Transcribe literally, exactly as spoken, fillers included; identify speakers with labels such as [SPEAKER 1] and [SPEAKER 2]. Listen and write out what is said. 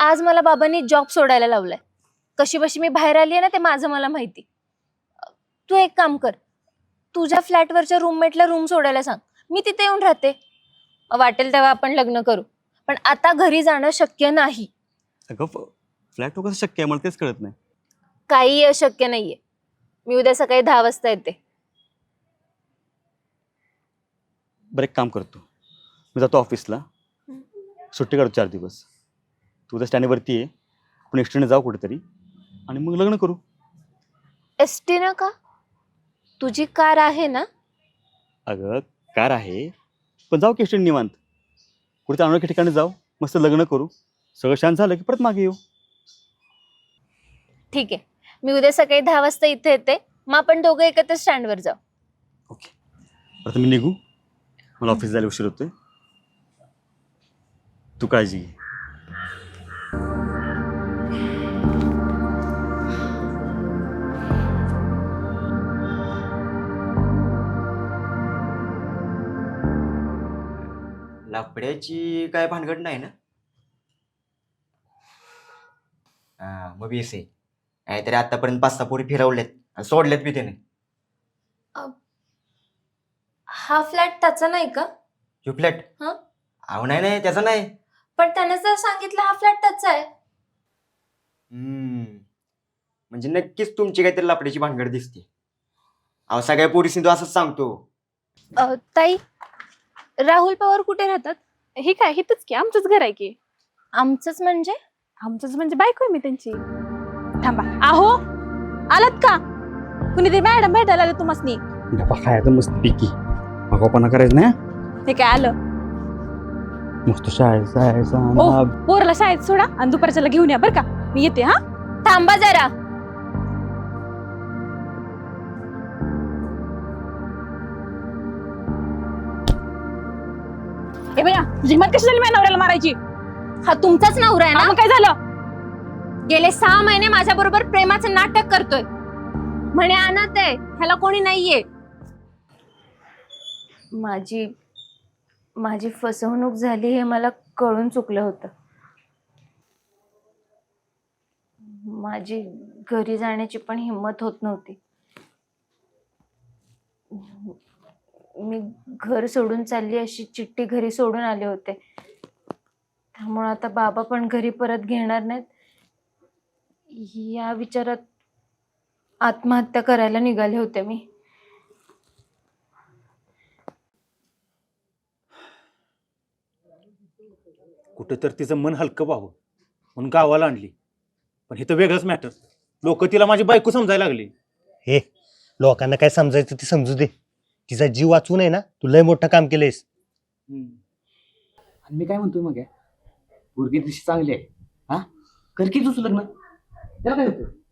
[SPEAKER 1] आज मला बाबांनी जॉब सोडायला लावलाय. कशी बशी मी बाहेर आली आहे ना ते माझं मला माहिती. तू एक काम कर, तुझ्या फ्लॅटवरच्या रूममेटला रूम सोडायला सांग, मी तिथे येऊन राहते. वाटेल तेव्हा आपण लग्न करू, पण आता घरी जाणं शक्य नाही.
[SPEAKER 2] अगं फ्लॅट कसं शक्य आहे मला तेच कळत नाही.
[SPEAKER 1] काही अशक्य नाहीये. मी उद्या सकाळी दहा वाजता येते.
[SPEAKER 2] बरं एक काम करतो, मी जातो ऑफिसला, सुट्टी काढतो चार दिवस. तू उद्या स्टँडवरती आहे, आपण एक्सटेंड जाऊ कुठेतरी आणि मग लग्न करू.
[SPEAKER 1] एस टी ना का? तुझी कार आहे ना?
[SPEAKER 2] अगं कार आहे, पण जाऊ की एक्सटेंड निवांत कुठे अनोळखी ठिकाणी जाऊ, मस्त लग्न करू, सगळं शांत झालं की परत मागे येऊ.
[SPEAKER 1] ठीक आहे, मी उद्या सकाळी दहा वाजता इथे येते, मग आपण दोघं एकत्र स्टँडवर जाऊ.
[SPEAKER 2] ओके, आता मी निघू, मला ऑफिस जायला उशीर होतोय. तू काळजी घे.
[SPEAKER 3] लाकड्याची काय भानगड नाही ना? हा मग बीस आहे. नाहीतरी आतापर्यंत पाच सहा पोरी फिरवल्यात आणि सोडल्यात बी त्याने.
[SPEAKER 1] हा फ्लॅट त्याचा नाही का?
[SPEAKER 3] जो फ्लॅट
[SPEAKER 1] हा?
[SPEAKER 3] अहो नाही नाही त्याचा नाही.
[SPEAKER 1] पण त्याने जर सांगितलं हा फ्लॅट त्याचा आहे.
[SPEAKER 3] हम्म म्हणजे नक्कीच तुमची काहीतरी लाकड्याची भानगड दिसते. अहो सगळ्या पोरीसनी तो असंच सांगतो.
[SPEAKER 1] अ, ताई, राहुल पवार कुठे राहतात?
[SPEAKER 4] हे काय हिथंच की आमचंच घर आहे की.
[SPEAKER 1] आमचंच म्हणजे?
[SPEAKER 4] आमचंच म्हणजे बायको आहे मी त्यांची. थांबा, आहो आलात का? कुणीतरी मॅडम भेटायला आले तुम्हासनी.
[SPEAKER 2] खायचं मस्त पिकी मगापणा करायचं नाही.
[SPEAKER 4] हे काय आलं?
[SPEAKER 2] मस्त शाळेत जायचं.
[SPEAKER 4] ओ पोराला शाळेत सोडा आणि दुपारच्याला घेऊन या बरं का, मी येते. हा
[SPEAKER 1] थांबा जरा.
[SPEAKER 4] ए बया, तुझी हिंमत कशी झाली माझ्या नवऱ्याला मारायची?
[SPEAKER 1] हा तुमचाच नवरा आहे
[SPEAKER 4] हा,
[SPEAKER 1] ना?
[SPEAKER 4] मग काय झालं?
[SPEAKER 1] गेले सहा महिने माझ्या बरोबर प्रेमाचं नाटक करतोय. म्हणे अनाथ आहे, ह्याला कोणी नाहीये. माझी माझी फसवणूक झाली हे मला कळून चुकलं होतं. माझी घरी जाण्याची पण हिंमत होत नव्हती. मी घर सोडून चालली अशी चिठ्ठी घरी सोडून आले होते. त्यामुळे आता बाबा पण घरी परत घेणार नाहीत या विचारात आत्महत्या करायला निघाले होते मी.
[SPEAKER 5] कुठं तर तिचं मन हलकं व्हावं म्हणून गावाला आणली, पण हे तर वेगळंच मॅटर. लोक तिला माझी बायको समजायला लागली.
[SPEAKER 6] हे लोकांना काय समजायचं ते समजू दे. तिचा जीव वाचून आहे ना, तू लय मोठं काम केलंयस.
[SPEAKER 7] आणि मी काय म्हणतोय मग, पोरगी दिशी चांगली आहे, हा कर की तुझं लग्न, त्याला काय होतं?